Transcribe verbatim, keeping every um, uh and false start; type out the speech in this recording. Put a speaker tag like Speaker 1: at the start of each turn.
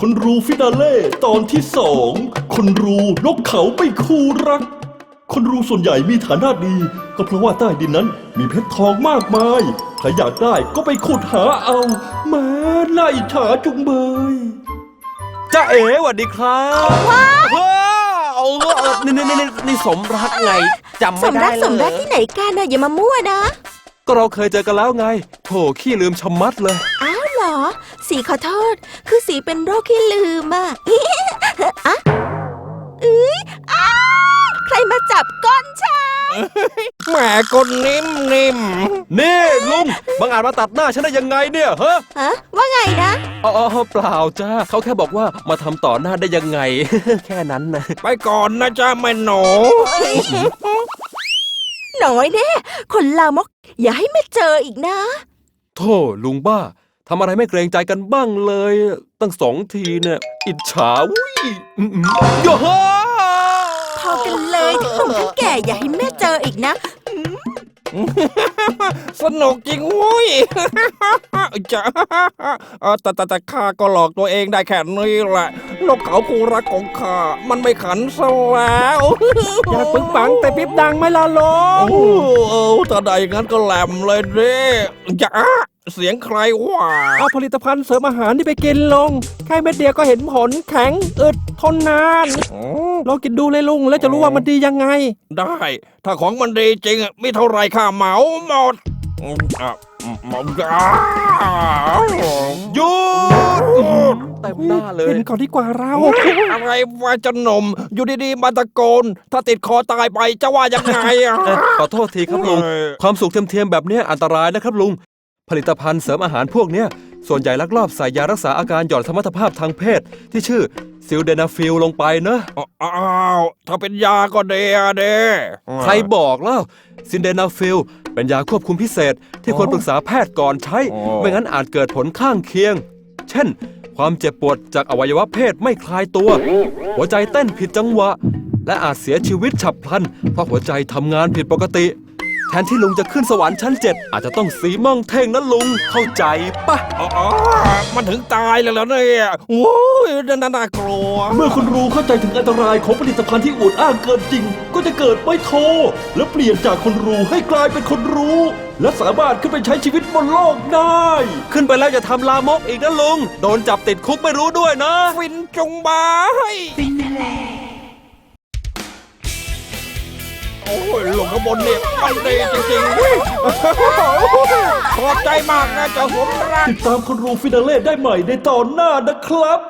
Speaker 1: คนรูฟินาเล่ตอนที่สองคนรูนกเขาไปคู่รักคนรูส่วนใหญ่มีฐานะดีก็เพราะว่าใต้ดินนั้นมีเพชรทองมากมายใครอยากได้ก็ไปขุดหาเอาแม้น่าอิจฉาจุงเบยจ้าเอ๋สวัสดีครับว้าวนี่นี่นี่นี่สมรักไงจำไม่ได้เลย
Speaker 2: สมรักสมรักที่ไหนกันนะอย่ามามั่วนะ
Speaker 1: ก็เราเคยเจอกันแล้วไงโถขี้ลืมชะมัดเลย
Speaker 2: อ้าวเหรอสีขอโทษคือสีเป็นโรคขี้ลืมอ่ะอะเอ้ยอ้าใครมาจับก้นฉัน
Speaker 3: แหมก้นนิ่มนิ่ม
Speaker 1: นี่ลุงบังอาจมาตัดหน้าฉันได้ยังไงเนี่ยฮะ
Speaker 2: ฮะว่าไงนะ
Speaker 1: อ๋อเปล่าจ้าเขาแค่บอกว่ามาทำต่อหน้าได้ยังไง แค่นั้นนะ
Speaker 3: ไปก่อนนะจ้าแม่หนู
Speaker 2: หน่อยแน่คนลามกอย่าให้แม่เจออีกนะ
Speaker 1: โธ่ลุงบ้าทำอะไรไม่เกรงใจกันบ้างเลยตั้งสองทีเนี่ยอิจฉาอุ้ยโย่
Speaker 2: พอกันเลยทั้งหนุ่มทั้งแก่อย่าให้แม่เจออีกนะ
Speaker 3: สนุกจริงเว้ยจ้าแต่แต่แต่ข้าก็หลอกตัวเองได้แค่นี้แหละนกเขาคู่รักของข้ามันไม่ขันซะแล้ว
Speaker 4: อยากปึงปังแต่ปิ๊บดังไม่ละลง
Speaker 3: โอ้ถ้าได้อย่างนั้นก็แหลมเลยเด้จ้าเสียงใครวะ
Speaker 4: เอาผลิตภัณฑ์เสริมอาหารที่ไปกินลงแค่เม็ดเดียวก็เห็นผลแข็งอึดทนนานลองกินดูเลยลุงแล้วจะรู้ว่ามันดียังไง
Speaker 3: ได้ถ้าของมันดีจริงมีเท่าไรข้าเหมาหมด
Speaker 1: หยุดเต็มหน้าเลย
Speaker 4: เห็นก่อนดีกว่าเรา
Speaker 3: อะไรวะจะหนมอยู่ดีๆมาตะโกนถ้าติดคอตายไปจะว่ายังไง
Speaker 1: ขอโทษทีครับลุงความสุขเทียมๆแบบนี้อันตรายนะครับลุงผลิตภัณฑ์เสริมอาหารพวกนี้ส่วนใหญ่ลักลอบใส่ยารักษาอาการหย่อนสมรรถภาพทางเพศที่ชื่อซิลเดนาฟิลลงไปนะ
Speaker 3: อ้าวถ้าเป็นยาก็เดเด
Speaker 1: ใครบอกแล้วซิลเดนาฟิลเป็นยาควบคุมพิเศษที่ควรปรึกษาแพทย์ก่อนใช้ไม่งั้นอาจเกิดผลข้างเคียงเช่นความเจ็บปวดจากอวัยวะเพศไม่คลายตัวหัวใจเต้นผิดจังหวะและอาจเสียชีวิตฉับพลันเพราะหัวใจทำงานผิดปกติแทนที่ลุงจะขึ้นสวรรค์ชั้นเจ็ดอาจจะต้องสีม่องเท่งนะลุงเข้าใจปะ
Speaker 3: อ๋อมันถึงตายแล้วเนี่ยโอ้ยน่าน่ากลัว
Speaker 1: เมื่อคุณรู้เข้าใจถึงอันตรายของผลิตภัณฑ์ที่อวดอ้างเกินจริงก็จะเกิดไม่โทและเปลี่ยนจากคนรู้ให้กลายเป็นคนรู้และสามารถขึ้นไปใช้ชีวิตบนโลกได้ขึ้นไปแล้วอย่าทำลามกอีกนะลุงโดนจับติดคุกไม่รู้ด้วยนะ
Speaker 3: ฟินจงบาย
Speaker 2: ฟินแล
Speaker 3: โอ้ยลงข้างบนเนี่ยมันดีจริงๆขอบใจมากนะเจ้าสมรัก
Speaker 1: ติดตามคนรูฟินาเล่ได้ใหม่ในตอนหน้านะครับ